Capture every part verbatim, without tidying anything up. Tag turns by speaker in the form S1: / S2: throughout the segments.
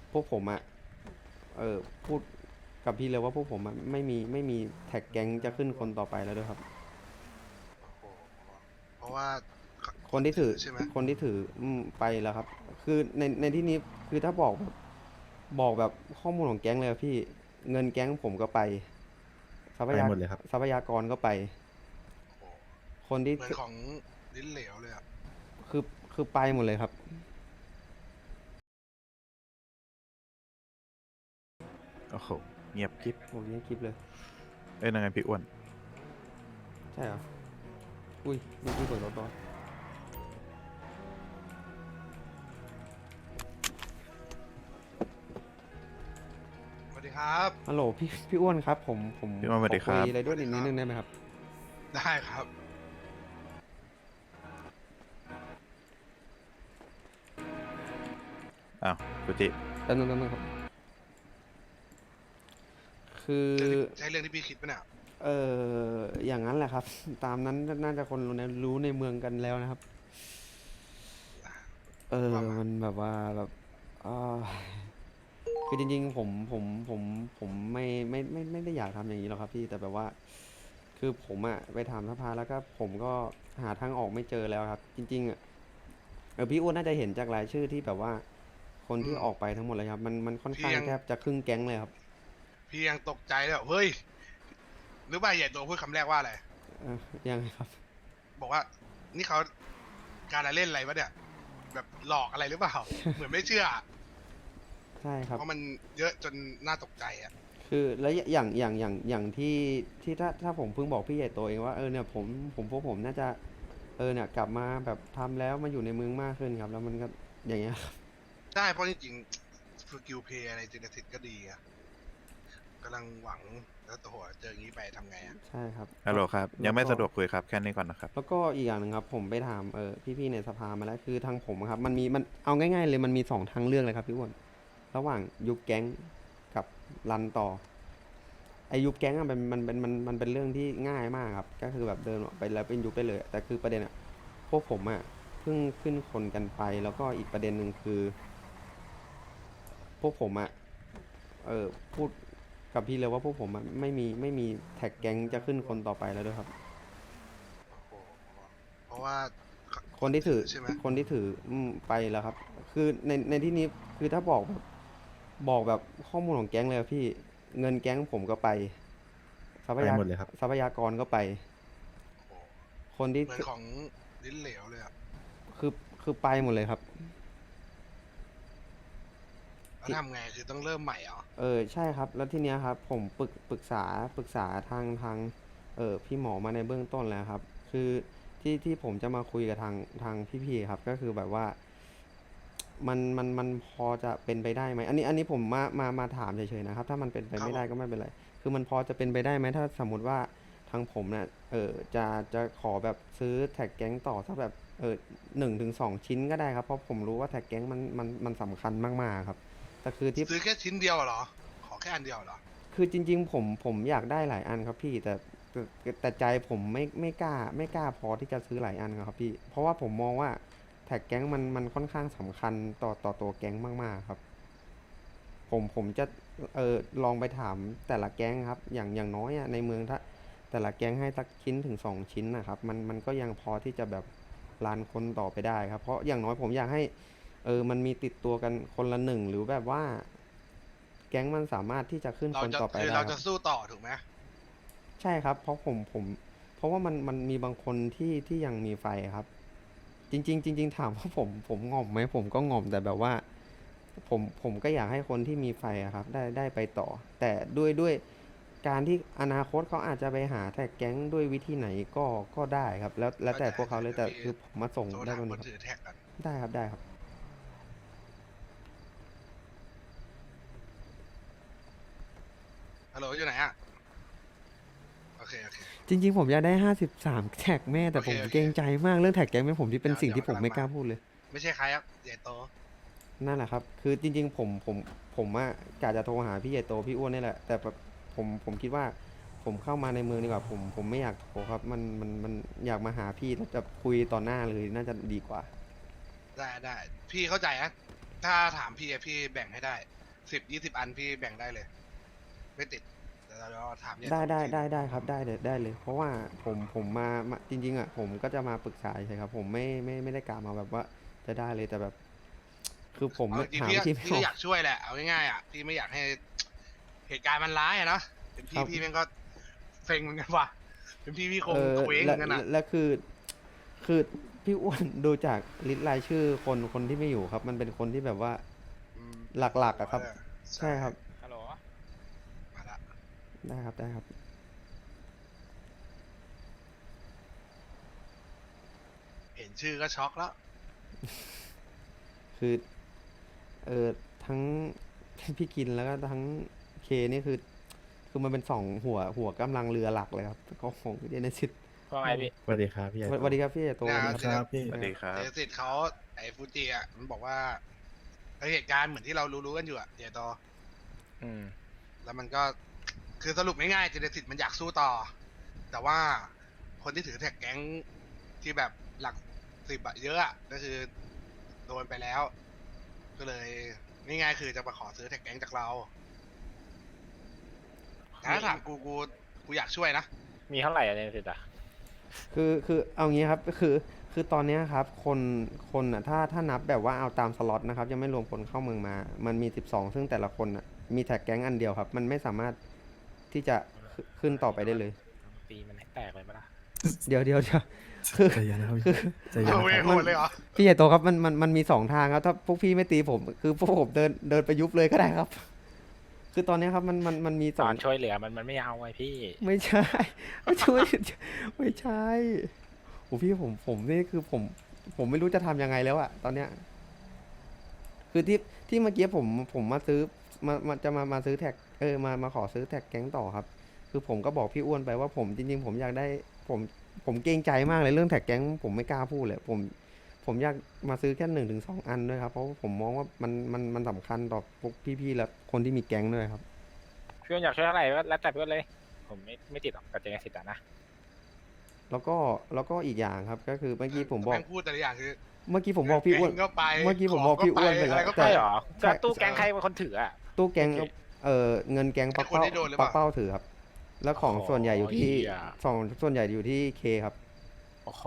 S1: พวกผมอะเออพูดกับพี่เลยว่าพวกผมอะไม่มีไม่มีแท็กแก๊งจะขึ้นคนต่อไปแล้วด้วยครับ
S2: โอ้โหเพราะว่าคน
S1: คนที่ถือ
S2: ถือใช่ไหม
S1: คนที่ถืออืมไปแล้วครับคือในในที่นี้คือถ้าบอกแบบบอกแบบข้อมูลของแก๊งเลยอะพี่เงินแก๊งผมก็ไปทรัพ
S3: ไป
S1: ยา
S3: หมดเลยครับ
S1: ทรัพยากรก็ไป
S2: โอ้โห
S1: คนที่
S2: เหมือนของลิ้นเหลวเลยอ่ะ
S1: คือคือไปหมดเลยครับ
S3: โอ้โหเงียบกริบ
S1: โอ้ยคลิปเลย
S3: เอ้ยนั่นไงพี่อ้วน
S1: ใช่เหรออุ้ยเมื่อกี้เปิดรถต่อ
S2: สวัสดีครับ
S1: ฮัลโหลพี่พี่อ้วนครับผมผม
S3: พี่อ้วนสวั
S1: ขอคุย
S3: สดีครับ
S1: อะไรด้วยนิด
S2: สวัสดีครับ
S1: นึงได้ไหมครับ
S2: ได้ครับ
S3: อ้าวกุจิ
S1: แป๊บนึงแป๊บนึงครับคือ
S2: เรื่องที่ใช่เรื่องที่พี่คิดปะเนี่ย
S1: เอออย่างนั้นแหละครับตามนั้นน่าจะคนรู้ในรู้ในเมืองกันแล้วนะครับเออ
S2: ว่ามา
S1: มันแบบว่าแบบอ่าคือจริงๆผมผมผมผมไม่ไม่ไม่ไม่ได้อยากทำอย่างนี้หรอกครับพี่แต่แบบว่าคือผมอะไปถามสภาแล้วก็ผมก็หาทางออกไม่เจอแล้วครับจริงๆอะเออพี่อ้วนน่าจะเห็นจากรายชื่อที่แบบว่าคน
S2: อืม
S1: ที่ออกไปทั้งหมดเลยครับมันมันค่อนข้าง
S2: พี่ยัง
S1: แทบจะครึ่งแก๊งเลยครับ
S2: พี่ยังตกใจเลยอะเฮ้ยหรือว่าใหญ่โตพูดคำแรกว่าอะไร
S1: เออยังไงครับ
S2: บอกว่านี่เขาการละเล่นอะไรวะเนี่ยแบบหลอกอะไรหรือเปล่าเหมือนไม่เชื่อ
S1: ใช่ครับ
S2: เพราะมันเยอะจนน่าตกใจอ่ะ
S1: คือแล้วอย่างอย่างอย่างอย่างที่ที่ถ้าถ้าผมเพิ่งบอกพี่ใหญ่โตเองว่าเออเนี่ยผมผมพวกผมน่าจะเออเนี่ยกลับมาแบบทำแล้วมาอยู่ในเมืองมากขึ้นครับแล้วมันก็อย่างเงี้ยครับ
S2: ใช่เพราะจริงๆสกิลเพย์อะไรเจเนติกก็ดีอะกำลังหวังแล้วตัวเจออย่างนี้ไปทำไงอ่ะ
S1: ใช่ครับ
S3: ฮัลโหล
S1: แล้ว
S3: ครับยังไม่
S1: แล้วก็
S3: สะดวกคุยครับแค่นี้ก่อนนะครับ
S1: แล้วก็อีกอย่างหนึ่งครับผมไปถามเออพี่ๆในสภามาแล้วคือทางผมอะครับมันมีมันเอาง่ายๆเลยมันมีสองทางเลือกเลยครับพี่อ้วนระหว่างยุบแก๊งกับรันต่อไอยุบแก๊งอะมันมันเป็นมันมันเป็นเรื่องที่ง่ายมากครับก็คือแบบเดินออกไปแล้วเป็นยุบไปเลยแต่คือประเด็นอะ พวกผมอะเพิ่งขึ้นคนกันไปแล้วก็อีกประเด็นหนึ่งคือพวกผมอะเออพูดกับพี่เลยว่าพวกผมอะไม่มีไม่มีแท็กแก๊งจะขึ้นคนต่อไปแล้วด้วยครับ
S2: โอ้โหเพราะว่าคน
S1: คนที่ถือ
S2: ถือใช่ไหม
S1: คนที่ถืออืมไปแล้วครับคือในในที่นี้คือถ้าบอกแบบบอกแบบข้อมูลของแก๊งเลยอะพี่เงินแก๊งผมก็ไปทรัพ
S3: ไป
S1: ยา
S3: หมดเลยครับ
S1: ทรัพยากรก็ไป
S2: โอ้โห
S1: คนที่
S2: เหมือนของลิ้นเหลวเลยอ่ะ
S1: คือคือไปหมดเลยครับ
S2: แล้วทำไงคือต้องเริ่มใหม่เหรอ
S1: เออใช่ครับแล้วทีเนี้ยครับผมปรึกปรึกษาปรึกษาทางทางเออพี่หมอมาในเบื้องต้นแล้วครับคือที่ที่ผมจะมาคุยกับทางทางพี่ๆครับก็คือแบบว่ามันมันมันพอจะเป็นไปได้ไหมอันนี้อันนี้ผมมามามาถามเฉยๆนะครับถ้ามันเป็นไปไม่ได้
S2: ครับผม
S1: ก็ไม่เป็นไรคือมันพอจะเป็นไปได้ไหมถ้าสมมติว่าทางผมเนี่ยเออจะจะขอแบบซื้อแท็กแก๊งต่อสักแบบเออหนึ่งถึงสองชิ้นก็ได้ครับเพราะผมรู้ว่าแท็กแก๊งมันมันมันสำคัญมากๆครับแต่คือที่
S2: ซื้อแค่ชิ้นเดียวเหรอขอแค่อันเดียวเหรอ
S1: คือจริงๆผมผมอยากได้หลายอันครับพี่แต่แต่แต่ใจผมไม่ไม่กล้าไม่กล้าพอที่จะซื้อหลายอันครับพี่เพราะว่าผมมองว่าแท็กแก๊งมันมันค่อนข้างสำคัญต่อต่อตัวแก๊งมากๆครับผมผมจะเออลองไปถามแต่ละแก๊งครับอย่างอย่างน้อยอะในเมืองถ้าแต่ละแก๊งให้สักชิ้นถึงสองชิ้นนะครับมันมันก็ยังพอที่จะแบบรันคนต่อไปได้ครับเพราะอย่างน้อยผมอยากให้เออมันมีติดตัวกันคนละหนึ่งหรือแบบว่าแก๊งมันสามารถที่จะขึ้น
S2: เราจะ
S1: คนต่อไป
S2: คือเรา
S1: ได้ครับ
S2: จะสู้ต่อถูกไหม
S1: ใช่ครับเพราะผมผมเพราะว่ามันมันมีบางคนที่ที่ยังมีไฟครับจริงๆจริงๆถามว่าผมผมง่อมไหมผมก็ง่อมแต่แบบว่าผมผมก็อยากให้คนที่มีไฟอะครับได้ได้ไปต่อแต่ด้วยด้วยการที่อนาคตเขาอาจจะไปหาแท็กแก๊งด้วยวิธีไหนก็ก็ได้ครับแล้วแล้ว
S2: เข้าใจ
S1: แต่พวกเขาเลยแต่
S2: เดี๋ยวพี่
S1: คือผมมาส่ง
S2: โทรถามคน
S1: ได้ตรงนี้ครับ
S2: ถือแท็กกัน
S1: ได้ครับได้ครับ
S2: ฮัลโหลอยู่ไหนอ่ะโอเคโอเค
S1: จริงๆผมอยากได้ห้าสิบสามแท็กแม่
S2: โอ
S1: แต่ผม
S2: เคโอเค
S1: เกรงใจมากเรื่องแท็กแก๊งเป็นผมที่เป็น
S2: เดี๋ยวเดี๋ยว
S1: สิ่งที่ผม
S2: กำลังมา
S1: ไม่กล้าพูดเลย
S2: ไม่ใช่ใครครับใหญ่โต
S1: นั่นแหละครับ คือจริงๆผมผมผมอะกะจะโทรหาพี่ใหญ่โตพี่อ้วนนี่แหละ แต่แบบผมผมคิดว่าผมเข้ามาในเมืองดีกว่าผมผมไม่อยากโทรครับมันมันมันอยากมาหาพี่แล้วจะคุยต่อหน้าเลยน่าจะดีกว่า
S2: ได้ได้พี่เข้าใจนะถ้าถามพี่อะพี่แบ่งให้ได้สิบยี่สิบอันพี่แบ่งได้เลย ไม่ติดแต่เราถามเนี่ย
S1: ได้ได้
S2: ที
S1: ได้ได้ครับได้เลยได้เลย เพราะว่าผมผมมามาจริงๆอ่ะผมก็จะมาปรึกษาใช่ครับผมไม่ไม่ไม่ได้กล่าวมาแบบว่าจะได้เลยแต่แบบ คือผม
S2: เอาจริง
S1: หา
S2: ๆพี่
S1: วิ
S2: ก็
S1: ธีไม่
S2: พี่
S1: อ
S2: ก็
S1: อก
S2: อยากช่วยแหละ เอาง่ายๆอ่ะพี่ไม่อยากให้เหตุการณ์มันร้ายอะเนาะเป็น
S1: ครั
S2: พี่
S1: บ
S2: พี่แม่งก็เซ็งเหมือนกันว่ะเป็นพี่พี่คง
S1: เออ
S2: เคว้งเห
S1: และ
S2: มือนกันอ่ะ
S1: และคือ คือพี่อ้วนดูจากลิสต์รายชื่อคนคนที่ไม่อยู่ครับ มันเป็นคนที่แบบว่า
S2: อืม
S1: หลักๆอะครับ ใช่ครับ
S4: ฮัลโหล
S2: มาละ
S1: ได้ครับได้ครับ
S2: เห็นชื่อก็ช็อกแล้ว
S1: คือ เออทั้ง พี่กินแล้วก็ทั้งเคนี่คือ คือมันเป็นสองหัวหัวกำลังเรือหลักเลยครับก็ของเจเนซิส
S4: ว่าไงพี่
S5: สวัสดีครับพี่ใหญ่
S1: สวัสดีครับพี่ใหญ่โต
S2: เนี่ย
S1: สวัสดี
S5: ค
S1: ครับ
S5: รับพี่
S3: สวัสดีครับ
S2: เจสิทธิ์เขาไอ้ฟูจิอ่ะมันบอกว่าไอ้เหตุการณ์เหมือนที่เรารู้ๆกันอยู่อ่ะเจโต
S4: อืม
S2: แล้วมันก็คือสรุปง่ายๆเจเนสิตมันอยากสู้ต่อ แต่ว่าคนที่ถือแท็กแก๊งที่แบบหลักสิบอะเยอะอะก็คือโดนไปแล้ว ก็เลยนี่ไงคือจะมาขอซื้อแท็กแก๊งจากเราแต่ถ้าถามกูกูกูอยากช่วยนะ
S4: มีเท่าไหร่อะเนี่ยสิอ่ะ
S1: คือคือเอางี้ครับก็คือคือตอนเนี้ยครับคนคนอ่ะถ้าถ้านับแบบว่าเอาตามสล็อตนะครับยังไม่รวมคนเข้าเมืองมา มันมีสิบสองซึ่งแต่ละคนอ่ะมีแท็กแก๊งอันเดียวครับ มันไม่สามารถที่จะขึ้นขึ้นต่อไปได้เลย
S4: ตีมันให้แตกเลยปะล่ะ
S1: เดี๋ยวเดี๋ยวเดี๋ยวคือ
S5: ใจเย็นนะครับ
S1: คือ
S5: ใจเย็น
S2: เอา
S5: นะ
S2: เว
S5: ครับ
S2: โหดเลยเหรอ
S1: พี่ใหญ่โตครับมันมันมันมีสองทางครับถ้าพวกพี่ไม่ตีผม คือพวกผมเดินเดินไปยุบเลยก็ได้ครับ คือตอนเนี้ยครับมันมันมันมีส
S4: ต
S1: อ
S4: อง นช่วยเหลือมันมันไม่เอาไงพี่
S1: ไม่ใช่ไม่ช่วยไม่ใช่โอ้พี่ผมผมนี่คือผม ผมไม่รู้จะทำยังไงแล้วอะตอนเนี้ย คือที่ที่เมื่อกี้ผมผมมาซื้อมามาจะมามาซื้อแท็กเออมามาขอซื้อแท็กแก๊งต่อครับ คือผมก็บอกพี่อ้วนไปว่าผมจริงๆ ผมอยากได้ผมผมเกรงใจมากเลยเรื่องแท็กแก๊งผมไม่กล้าพูดเลยผมผมอยากมาซื้อแค่หนึ่งถึงสองอันด้วยครับเพราะว่าผมมองว่ามันมันมันสำคัญต่อพวกพี่ๆและคนที่มีแก๊งด้วยครับ
S4: พี่อ้วนอยากช่วยเท่าไหร่ก็แล้วแต่พี่อ้วนเลย ผมไม่ไม่ติดหรอกกับเจเนสิตอ่ะนะ
S1: แล้วก็แล้วก็อีกอย่างครับ ก็คือเมื่อกี้ผมบอก
S2: แม่งพูดแต่ละอย่างคือ
S1: เมื่อกี้ผมบอกพี่อ้วน
S2: แก๊งก็ไป
S1: เมื่อกี้ผมบอกพี่อ้วนไปแล้ว
S2: ของก็
S1: แต่
S4: ใช่เหรอ
S1: ใช่
S4: ก็ตู้แกงใครเป็นคนถืออ่ะ
S1: ตู้แก๊ง
S4: โอเค
S1: เออเงินแก๊งปัก
S2: ไอ้คน
S1: เป้า
S2: ที่โดนหรือเป
S1: ปั
S2: ล่า
S1: กเป้าถือครับ แล้วของ
S4: โอ้โห
S1: ส่วนใหญ่อยู่ที่
S4: เหี้ย
S1: สองส่วนใหญ่อยู่ที่เคครับ
S4: โอ้โห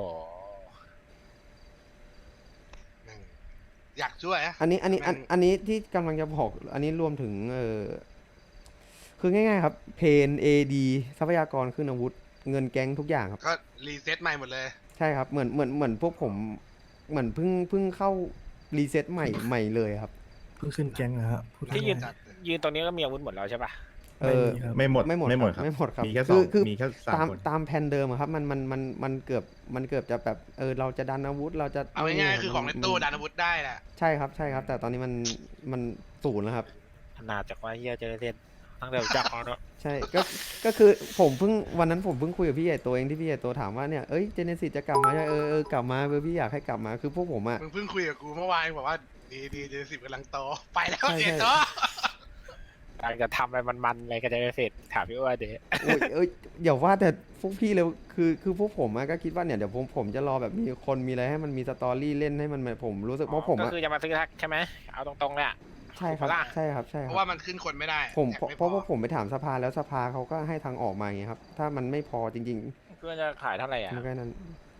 S2: แม่งอยากช่วยอะ
S1: อันนี้อันนี้อัน
S2: แม่ง
S1: อันนี้ที่กำลังจะบอกอันนี้รวมถึงเออคือง่ายๆครับเพนเอดีทรัพยากรขึ้นอาวุธ เงินแก๊งทุกอย่างครับ
S2: ก็รีเซ็ตใหม่หมดเลย
S1: ใช่ครับเหมือนเหมือนเหมือนพวกผมเหมือนเพิ่งเพิ่งเข้ารีเซ็ตใหม่ใหม่เลยครับ
S5: เพิ่งขึ้นแก๊งนะฮะพูด
S4: ที่ยืน
S5: ง่าย
S4: ยืนตรงนี้ก็มีอาวุธหมดแล้วใช่ปะ
S1: เออ
S5: ไม่มีครับ
S6: ไม่หมด
S1: ไม่หมด
S6: ไม่หมด
S1: ครับ
S6: ครับ
S1: ไม่หมดครับ
S6: มีแค่ส
S1: คือ อง คือ
S6: มีแค่สาม
S1: ตาม
S6: คน
S1: ตามแผนเดิมอะครับมันมันมันมันเกือบมันเกือบจะแบบเออเราจะดันอาวุธเราจะ
S2: เอาง่ายๆคือของใน
S1: มั
S2: ตู้ดันอาวุธได้แหละ
S1: ใช่ครับใช่ครับ แต่ตอนนี้มันมันศูนย์แล้วครับ
S4: ขนาดจากว่าเฮียเจเนสิตตั้งแต่รู้จักเขาเนอะ
S1: ใช่ก็ก็คือผมเพิ่งวันนั้นผมเพิ่งคุยกับพี่ใหญ่โตเองที่พี่ใหญ่โตถามว่าเนี่ยเอ้ยเจเนซิสจะกลับมาใช่เออเออกลับมาเออพี่อยากให้กลับมาคือพวกผมอะ
S2: มึงเพิ่งคุยกับกูเมื่อวานบอกว่าดีดีเจสิบกำลังโตไปแล้ว
S1: ใช่
S2: เจ
S1: ใช่
S2: โต
S4: อยากจะทำอะไรมันๆอะไรกับเจเนสิตถามพี่อ้วนดิ
S1: โอ้ยเอ้ยเดี๋ยวว่าแต่พวกพี่เลยคือคือพวกผมอะก็คิดว่าเนี่ยเดี๋ยวผมผมจะรอแบบมีคนมีอะไรให้มันมีสตอรี่เล่นให้มันผมรู้สึกเพราะผม
S4: ก็
S1: อะ
S4: คือจะมาซื้อแท็กใช่ไหมเอาตรงๆเลยอะ
S1: ใช่ครับ
S4: ถูกปะล่ะ
S1: ใช่ครับใช่ค
S2: เพ
S1: รับ
S2: ราะว่ามันขึ้นคนไม่ได้
S1: ผม
S2: แท็ก
S1: เพราะ
S2: ไม่
S1: เพราะว่าผมไปถามสภาแล้วสภาเขาก็ให้ทางออกมาอย่างเงี้ยครับ ถ้ามันไม่พอจริง
S4: เพื่อนจะขายเท่าไหร่
S1: ๆ
S4: อ่ะ
S1: มันก็นั้น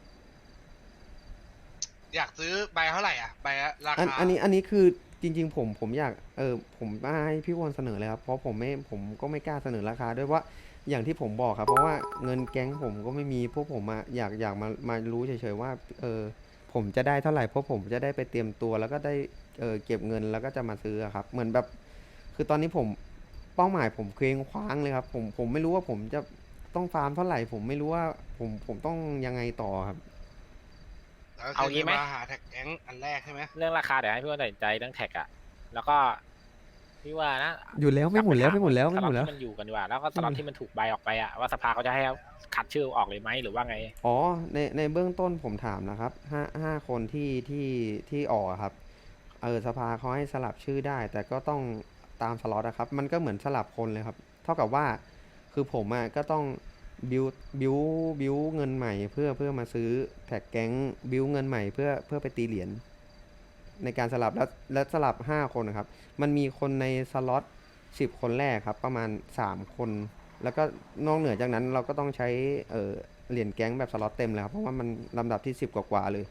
S2: อยากซื้อใบเท่าไหร่อ่ะใบละรา
S1: อัน
S2: คา
S1: อันนี้อันนี้คือจริง ๆ ผมผมอยากเออผมมาให้พี่วอนเสนอเลยครับเพราะผมไม่ผมก็ไม่กล้าเสนอราคาด้วยว่าอย่างที่ผมบอกครับ เพราะว่าเงินแก๊งผมก็ไม่มีพวกผมมาอยากอยากมามารู้เฉยๆว่าเออผมจะได้เท่าไหร่เพราะผมจะได้ไปเตรียมตัวแล้วก็ได้เออเก็บเงินแล้วก็จะมาซื้ออะครับ เหมือนแบบ คือตอนนี้ผมเป้าหมายผมเคว้งคว้างเลยครับ ผมผมไม่รู้ว่าผมจะต้องฟาร์มเท่าไหร่ ผมไม่รู้ว่าผมผมต้องยังไงต่อครับ
S2: แล้วก็
S4: เอา
S2: คือ
S4: งี้ไหม
S2: มาหาแท็กแก๊งอันแรกใช่ไหม
S4: เรื่องราคาเดี๋ยวให้พี่อ้วนตัดสินใจเรื่องแท็กอ่ะแล้วก็พี่ว่านะ
S1: อยู่แล้วไม่หมุนแล้วไม่หมุนแล้ว
S4: ส
S1: ไม่ห
S4: ล็อ
S1: มุ
S4: ต
S1: นแล้ว
S4: ที่มันอยู่กันดีกว่าแล้วก็สล็อตที่มันถูกใบออกไปอ่ะว่าสภาเขาจะให้คัดชื่อออกเลยไหมหรือว่าไง
S1: อ๋อในในเบื้องต้นผมถามนะครับห้าห้าคนที่ที่ที่ออกอะครับเออสภาเขาให้สลับชื่อได้ แต่ก็ต้องตามสล็อตนะครับ มันก็เหมือนสลับคนเลยครับ เท่ากับว่าคือผมอะก็ต้องบิวบิวบิวเงินใหม่เพื่อเพื่อมาซื้อแท็กแก๊งบิวเงินใหม่เพื่อเพื่อไปตีเหรียญในการสลับแล้วแล้วสลับห้าคนนะครับ มันมีคนในสล็อตสิบคนแรกครับ ประมาณสามคน แล้วก็นอกเหนือจากนั้นเราก็ต้องใช้เอ่อเหรียญแก๊งแบบสล็อตเต็มเลยครับ เพราะว่ามันลำดับที่สิบกว่าๆเลย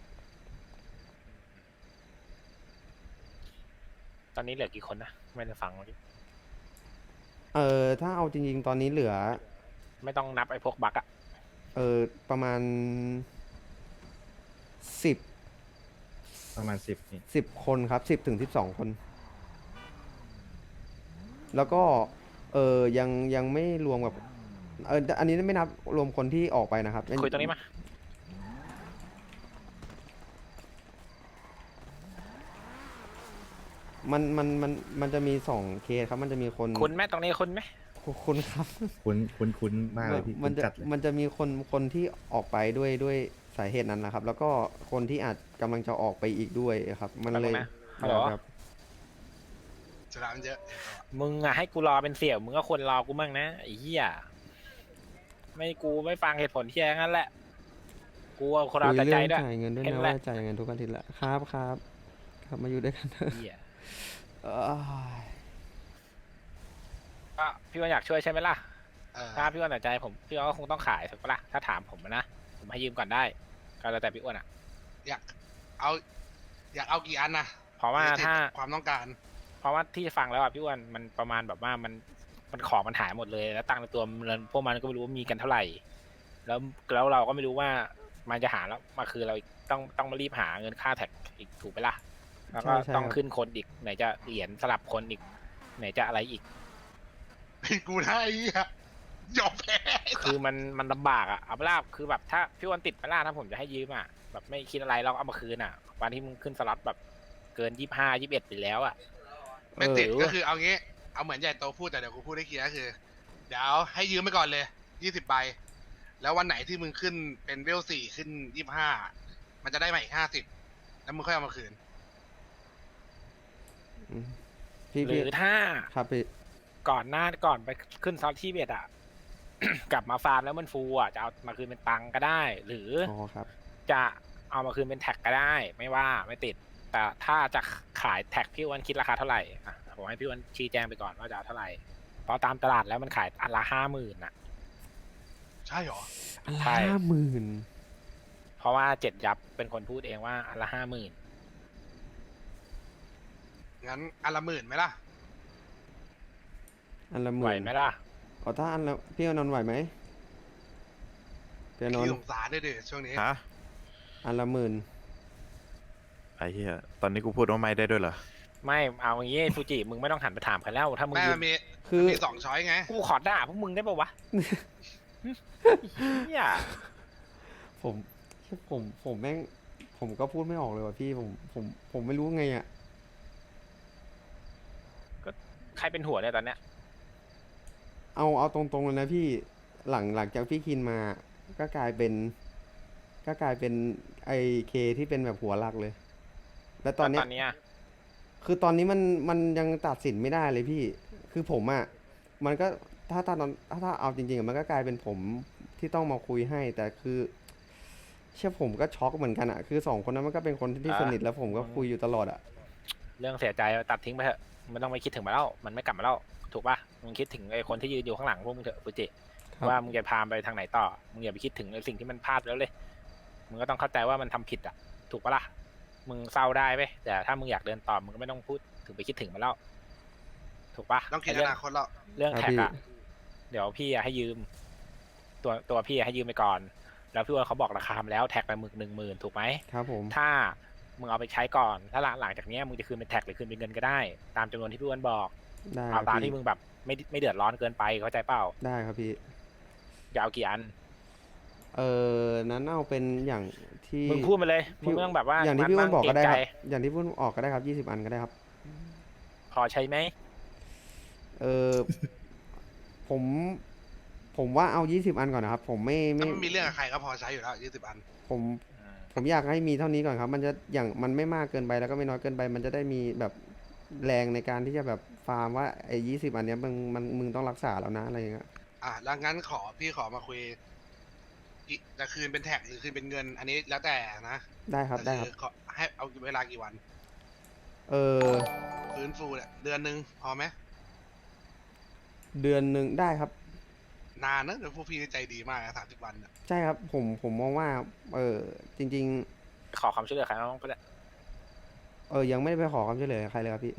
S4: ตอนนี้เหลือกี่คนนะไม่ได้ฟังเมื่อกี้
S1: เออถ้าเอาจริงๆ ตอนนี้เหลือ
S4: ไม่ต้องนับไอ้พวกบั๊กอะ
S1: เออประมาณสิบ
S5: ประมาณสิบนี่
S1: สิบคนครับสิบถึงสิบสองคน แล้วก็เออยังยังไม่รวมกับเอออันนี้ไม่นับรวมคนที่ออกไปนะครับ
S4: คุยตรงนี้มา
S1: มันมันมันมันจะมีสองเคสครับ มันจะมีคน
S4: คุณไหมตรงนี้คุณไหม
S1: คุณครับ
S5: คุ้นคุ้นคุ้นมากเลยพี่
S1: มั
S5: คุ้น
S1: จะ
S5: จัดเลย
S1: มันจะมีคนคนที่ออกไปด้วยด้วยสาเหตุนั้นนะครับ แล้วก็คนที่อาจกำลังจะออกไปอีกด้วยครับ มันเลย
S4: ฮัลโหล
S1: ครับ
S2: ชนะมันเยอะ
S4: มึงอะให้กูรอเป็นเสี่ยวมึงก็ควรรอกูมั่งนะไอ้เหี้ยไม่กูไม่ฟังเหตุผลที่แย่งั้นแหละกูเอาคนเอา
S1: คุย
S4: แต่ใจ
S1: เรื่อง
S4: ด้วย
S1: จ่ายเงินด้วย
S4: เห็น
S1: นะ
S4: แหละ
S1: ว่าจ่ายเงินทุกอาทิตย์ละครับครับครับมาอยู่ด้วยกันเถอะ
S4: เหี้ย
S1: เอ้ย
S4: ก็พี่ว่าอยากช่วยใช่ไหมล่ะ
S2: เออ
S4: ถ้าพี่อ้วนแต่ใจผมพี่อ้วนก็คงต้องขายถูกปะล่ะถ้าถามผมนะผมให้ยืมก่อนได้ก็แล้วแต่พี่อ้วนอะ
S2: อยากเอา อยากเอากี่อันนะ
S4: เพราะว่าถ้า
S2: ความต้องการ
S4: เพราะว่าที่ฟังแล้วอะพี่อ้วนมันประมาณแบบว่ามันมันของมันหายหมดเลยแล้วตังค์ในตัวมันพวกมันก็ไม่รู้ว่ามีกันเท่าไหร่ แล้วแล้วเราก็ไม่รู้ว่ามันจะหาแล้วมาคือเราอีกต้องต้องมารีบหาเงินค่าแท็กอีกถูกไหมล่ะแล้วก็
S1: ใช่ใช่
S4: ต้อง
S1: ครับ
S4: ขึ้นคนอีกไหนจะเหรียญสลับคนอีก ไหนจะอะไรอีก
S2: เป็นกูนะไอ้เหี้ยยอมแพ้
S4: คือมันมันลำบากอะเอาไปล่ะคือแบบถ้าพี่อ้วนติดไปล่ะถ้าผมจะให้ยืมอะแบบไม่คิดอะไรเราก็เอามาคืนอะวันที่มึงขึ้นสล็อตแบบเกินยี่ห้ายี่สิบเอ็ดไปแล้วอะ
S2: ไม่ติด
S4: เออ
S2: ก็คือเอางี้ เอาเหมือนใหญ่โตพูดแต่เดี๋ยวกูพูดให้เคลียร์ก็คือ เดี๋ยวให้ยืมไปก่อนเลยยี่สิบใบ แล้ววันไหนที่มึงขึ้นเป็นเวลสี่ขึ้นยี่สิบห้า มันจะได้มาอีกห้าสิบ แล้วมึงค่อยเอามาคืน
S1: อืมพี่
S4: ห
S1: พี่
S4: รือถ้า
S1: ครับพี่
S4: ก่อนหน้าก่อนไปขึ้นซอสที่เบ็ดอ่ะ กลับมาฟาร์มแล้วมันฟูอ่ะจะเอามาคืนเป็นตังค์ก็ได้ หรือ
S1: อ๋อครับ
S4: จะเอามาคืนเป็นแท็กก็ได้ ไม่ว่าไม่ติด แต่ถ้าจะขายแท็กพี่อ้วันคิดราคาเท่าไหร่อ่ะผมให้พี่อ้วันชี้แจงไปก่อนว่าจะเอาเท่าไหร่เพราะตามตลาดแล้วมันขายอันละห้าหมื่นอ่ะ
S2: ใช่หรอ
S4: ใช่
S1: ห้าหมื่น
S4: เพราะว่าเจ็ดยับเป็นคนพูดเองว่าอันละห้าหมื่น
S2: งั้นอันละหมื่นไหมล่ะ
S1: อันละห
S4: ไหว
S1: มื่น
S4: ไหมล่ะ
S1: อ๋อถ้าอันละพี่อานนท์ไหวไหมพี่อานน
S2: ขี้
S1: ท์
S2: สงสารด้วยดิช่วงนี้
S3: ฮะ
S1: อันละหมื่น
S3: ไอ้เหี้ยตอนนี้กูพูดว่าไม่ได้ด้วยเหรอ
S4: ไม่เอาอย่างงี้ฟูจิมึงไม่ต้องหันไปถามใครแล้วถ้ามึง
S2: แม่
S4: ยื
S2: มัน
S4: ม
S2: มี
S1: คือ
S2: มีสองช้อยไง
S4: กูขอด่าพวกมึงได้ปะวะ เฮีย
S1: ผมผมผมแม่งผมก็พูดไม่ออกเลยว่ะพี่ผมผมผมไม่รู้ไงอ่ะ
S4: ใครเป็นหัวเนี่ยตอนเนี้ย
S1: เอาเอาตรงๆเลยนะพี่หลังหลังจากพี่คินมา ก็กลายเป็น ก็กลายเป็นไอเคที่เป็นแบบหัวหลักเลย แล้วตอนเนี้
S4: ต
S1: ย
S4: อนเนี้ย
S1: คือตอนนี้มันมันยังตัดสินไม่ได้เลยพี่ คือผมอะ่ะมันก็ถ้าตอนถ้าถ้าเอาจริงๆอะมันก็กลายเป็นผมที่ต้องมาคุยให้ แต่คือ เชื่อผมก็ช็อกเหมือนกันอะ่ะคือสองคนนั้นมันก็เป็นคนที่สนิทแล้วผมก็คุยอยู่ตลอดอะ่ะ
S4: เรื่องเสียใจตัดทิ้งไปเถอะไม่ต้องไปคิดถึงมาแล้วมันไม่กลับมาแล้วถูกปะมึงคิดถึงไอ้คนที่ยืนอยู่ข้างหลังพวกมึงเถอะฟูจิ
S1: ครับ
S4: ว่ามึงจะพาไปทางไหนต่อมึงอย่าไปคิดถึงไอ้สิ่งที่มันพลาดแล้วเลยมึงก็ต้องเข้าใจว่ามันทำผิดอ่ะถูกปะล่ะมึงเศร้าได้ไหมแต่ถ้ามึงอยากเดินต่อมึงก็ไม่ต้องพูดถึงไปคิดถึงมันแล้วถูกปะ
S2: ต้องคิด
S4: ไอ้
S2: อ
S4: เรื่อง
S2: นาคตแล้ว
S4: เรื่อง
S1: ครับ
S4: แท็ก
S1: พี่
S4: อะเดี๋ยวพี่อะให้ยืม ตัวตัวพี่อะให้ยืมไปก่อน แล้วพี่ว่าเขาบอกราคามาแล้วแท็กละหมื่นหนึ่งหมื่นถูกไหม
S1: ครับผม
S4: ถ้ามึงเอาไปใช้ก่อน ถ้าหลังหลังจากเนี้ยมึงจะคืนเป็นแท็กหรือคืนเป็นเงินก็ได้ ตามจำนวนที่พี่อ้วนบอก
S1: ได้ค
S4: เอา
S1: รับ
S4: ตาม
S1: พี่
S4: ที่มึงแบบไม่ไม่เดือดร้อนเกินไปเข้าใจเปล่า
S1: ได้ครับพี่
S4: จะเอากี่อัน
S1: เออนั้นเอาเป็นอย่างที่
S4: มึงพูดมาเลยมึ
S1: พี่
S4: งไม่ต้องแบบว่า
S1: อย่างที่พี่อ้วนบอกก็ได้ครับ
S4: เรงใจ
S1: อย่างที่พี่อ้วนออกก็ได้ครับยี่สิบอันก็ได้ครับ
S4: พอใช้ไหม
S1: เออ ผม ผมว่าเอายี่สิบอันก่อนนะครับ ผมไม่
S2: ถ้า
S1: ไม่
S2: มันมีเรื่องกับใครก็พอใช้อยู่แล้วยี่สิบอัน
S1: ผม
S4: อืม
S1: ผมอยากให้มีเท่านี้ก่อนครับ มันจะอย่างมันไม่มากเกินไปแล้วก็ไม่น้อยเกินไป มันจะได้มีแบบแรงในการที่จะแบบฟาร์มว่าไอ้ยี่สิบอันเนี้ยมึงมันมึงต้องรักษาแล้วนะอะไรอย่างเงี้ย
S2: อ่ะแล้วงั้นขอพี่ขอมาคุยอีกจะคืนเป็นแท็กหรือคืนเป็นเงิน อันนี้แล้วแต่นะ
S1: ได้ครับได้
S2: แต่
S1: ครับ
S2: อขอให้เอาเวลากี่วัน
S1: เออ
S2: ฟื้นฟูเนี่ยเดือนหนึ่งพอไหม
S1: เดือนหนึ่งได้ครับ
S2: นานนะเดี๋ยวพวกพี่ใจดีมากสามสิบวันอะ
S1: ใช่ครับผมผมมองว่า เออจริง
S4: ขอความช่วยเหลือใครบ้างก็ได้
S1: ๆ เออยังไม่ได้ไปขอความช่วยเหลือใครเลยครับพี่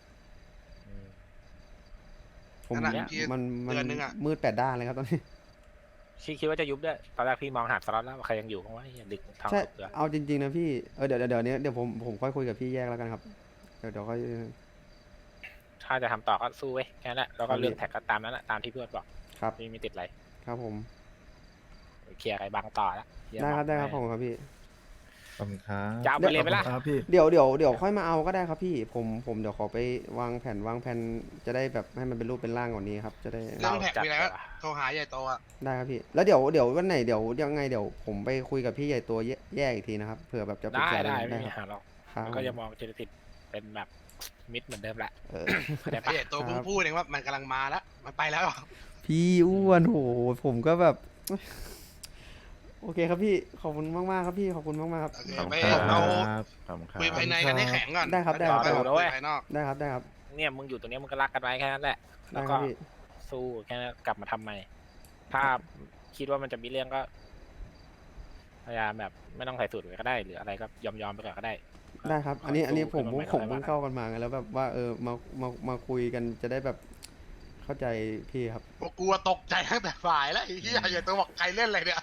S1: ผม
S2: นั่นแหละพี่
S1: มันมัน
S2: เดือนหนึงอะ
S1: มืดแปดด้านเลยครับตอนนี้
S4: คิดคิดว่าจะยุบด้วยตอนแรกพี่มองหาสล็อตแล้วว่าใครยังอยู่เพราะว่าอย่าดึกทาง
S1: ใช่
S4: ตกเรือ
S1: เอาจริงๆนะพี่ เออเดี๋ยวเดี๋ยวเดี๋ยวนี้เดี๋ยวผมผมค่อยคุยกับพี่แยกแล้วกันครับ เดี๋ยวเดี๋ยวค่อย
S4: ถ้าจะทำต่อก็สู้เว้ยแค่นั้นแหละแล้วก็
S1: ครับ
S4: เรื่องแท็กก็ตามนั้นแหละตามที่พี่อ้วนบอก
S1: ครับ
S4: พี่ไม่ติดอะไร
S1: ครับผม
S4: เคลียร์ไอ้บางต่อแล้วเคลีย
S1: ได้ครับ
S4: าง
S1: ได้ครับผมครับพี่
S5: ขอบคุณครับ
S4: จะเอาไปเลยไหมล่ะ
S5: ครับพี่
S1: เดี๋ยวเดี๋ยวเดี๋ยวค่อยมาเอาก็ได้ครับพี่ ผมผมเดี๋ยวขอไปวางแผนวางแผนจะได้แบบให้มันเป็นรูปเป็นร่างกว่านี้ครับ จะได้
S2: เรื่องแท็ก
S4: จัด
S2: มีอะไรก็
S4: เหรอ
S2: โทรหาใหญ่โตอะ
S1: ได้ครับพี่ แล้วเดี๋ยวเดี๋ยววันไหนเดี๋ยวยังไงเดี๋ยวผมไปคุยกับพี่ใหญ่ตัวแยแยกอีกทีนะครับเผื่อแบบจะปรึก
S4: ได้
S1: ษา
S4: ได้
S1: กัน
S4: ไม่มี
S1: ค
S4: ปัญ
S1: รับ
S4: หาหรอก
S1: ครับ
S4: แล้วก็จะมองเจตสิทธิ์เป็นแบบมิตรเหมือนเดิมแหละ
S1: เออ
S4: เข้าใจ
S2: ไอ้
S4: ปะ
S2: ใหญ่โตเพิ่งพูดเองว่ามันกำลังมาแล้วมันไปแล้ว
S1: พี่อ้วนโหผมก็แบบ โอเคครับพี่ขอบคุณมากมากๆครับพี่ขอบคุณมากมากๆครับ
S2: โอเค
S3: ขอบคุณ
S2: ไป
S3: ครับ
S2: เอา
S3: ขอบคุณครับ
S2: คุยภายในกันให้แข็งก่อน
S1: ได้ครับได้ครับ
S2: แล้วเยว
S4: ได้ครับ
S2: ไปภายนอก
S1: ได้ครับได้ครับ
S4: เนี่ยมึงอยู่ตรงเนี้ยมึงก็รักกันไว้แค่นั้นแหละ
S1: ได้
S4: แล้ว
S1: ค
S4: ก็
S1: รับพี่
S4: สู้แค่นั้นกลับมาทำใหม่ ถ้าคิดว่ามันจะมีเรื่องก็พยายามแบบไม่ต้องใส่สูตรก็ได้ หรืออะไรก็ยอมยอมๆไปก่อนก็ได้
S1: ได้ครับ อันนี้อันนี้ผม
S4: สู้
S1: ผม
S4: ขึ้น
S1: ผม
S4: ให
S1: เพิ่งเข้ากันมาไงแล้วแบบว่าเออมามามาคุยกันจะได้แบบเข้าใจพี่ครับ
S2: พวกกูอะตกใจตั้งแต่ฝ่ายแล้วไอ้เหี้ยใหญ่โตบอกใครเล่นอะไรเนี่ย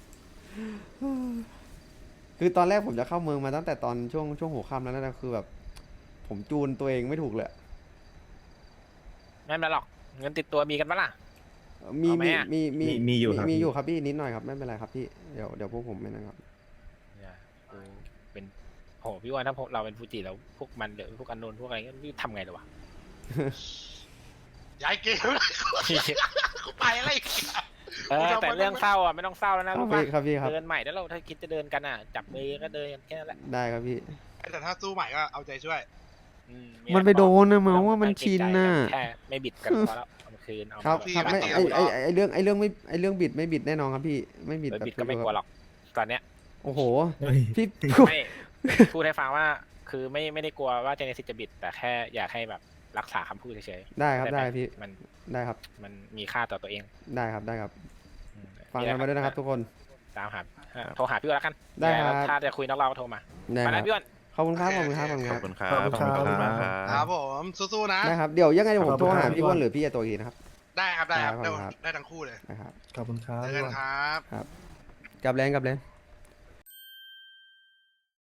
S1: คือตอนแรกผมจะเข้าเมืองมาตั้งแต่ตอนช่วงช่วงหัวค่ำแล้วนะคือแบบ ผมจูนตัวเองไม่ถูกเลย
S4: ไม่เป็นไรหรอกเงินติดตัวมีกันปะล่ะ
S1: มี
S4: เอาไหม
S1: มี
S4: อะ
S1: มีมี
S5: มีมีอยู่ครับ
S1: มี
S5: พี่
S1: อยู่ครับพี่นิดหน่อยครับไม่เป็นไรครับพี่เดี๋ยวเดี๋ยวพวกผมไม่นะครับ
S4: เนี่ยกูเป็นโหพี่ว่าถ้าพวกเราเป็นฟูจิแล้วพวกมันเดี๋ยวพวกอันโนนพวกอะไรเงี้ยทำไงเลยวะ
S2: ย้ายเกมเลยกูไปอะไรอีกอะ
S4: เออแต่เรื่องเศร้าอ่ะไม่ต้องเศร้าแล้ว
S1: ค
S4: นะ
S1: รับ
S4: รู้
S1: พี่
S4: ปะ
S1: ครับพี่ครับ
S4: เดินใหม่แล้วเราถ้าคิดจะเดินกันอ่ะจับมือก็เดินกันแค่นั้นแหละ
S1: ได้ครับพี่
S2: แต่ถ้าสู้ใหม่ก็เอาใจช่วย
S4: อื
S1: มันไปโดนนะ
S4: ไ
S1: เมาว่ามัน
S4: ไเกรง
S1: ชิน
S4: ใจ
S1: น่ะ
S4: แค่ไม่บิดกันพอแล้วเอามาคืนเอา
S1: ครับ
S2: พี่
S1: ครับ
S2: ไม่
S1: ไม่
S2: ตี
S1: ไอ
S2: กับ
S1: ไอ
S2: เรา
S1: ไอเรื่องไอเรื่องไม่ไอเรื่องบิดไม่บิดแน่นอนครับพี่ไม่บิด
S4: ไม่
S1: แบบ
S4: บิดก็ไม่กลัวหรอกตอนเนี้ย
S1: โอ้โห
S5: เฮ้ย
S1: พี่
S4: ไม่พูดให้ฟังว่าคือไม่ไม่ได้กลัวว่าเจเนซิสจะบิด แต่แค่อยากให้แบบรักษาคำพูดเฉยๆ
S1: ได้ครับ
S4: เข้าใจ
S1: ได้
S4: หม
S1: พี่
S4: มัน
S1: ได้ครับ
S4: มันมีค่าต่อตัวเอง
S1: ได้ครับได้ครับ
S4: อืม
S1: ฟังกันมาด้วยนะครับ ทุกคน
S4: ตามหาโทรหาพี่อ้วนแล้วกัน
S1: ได้ครับ
S4: ถ้าจะคุยนอกเราก็โทรมา
S1: ได้
S4: ไป
S1: ค
S4: แล้
S1: รั
S4: ว
S1: บ
S4: พี่อ้วน
S1: ขอบคุณครับขอบคุณครับขอบคุณ
S3: ข
S1: ค
S3: อ
S1: รั
S3: บบ คุณครับ
S5: ขอบคุณครับ
S3: ขอบคุณมากครั
S2: ครับ บผมสู้ๆนะ
S1: ได้ครับเดี๋ยวยังไงเดี๋ยวผม
S5: ขอบ
S1: โท
S5: คุ
S1: ร
S5: ณครับ
S1: หาพี่อ้วนหรือพี่ไอตัวอีกทีนะครับ
S2: ได้ครับได้ครับ
S1: ได้
S2: ได้
S1: ครับ
S2: ได้ทั้งคู่เลย
S1: นะครับ
S5: ขอบคุณครับ
S2: เจอกันครับ
S1: กลับแรงกลับแรง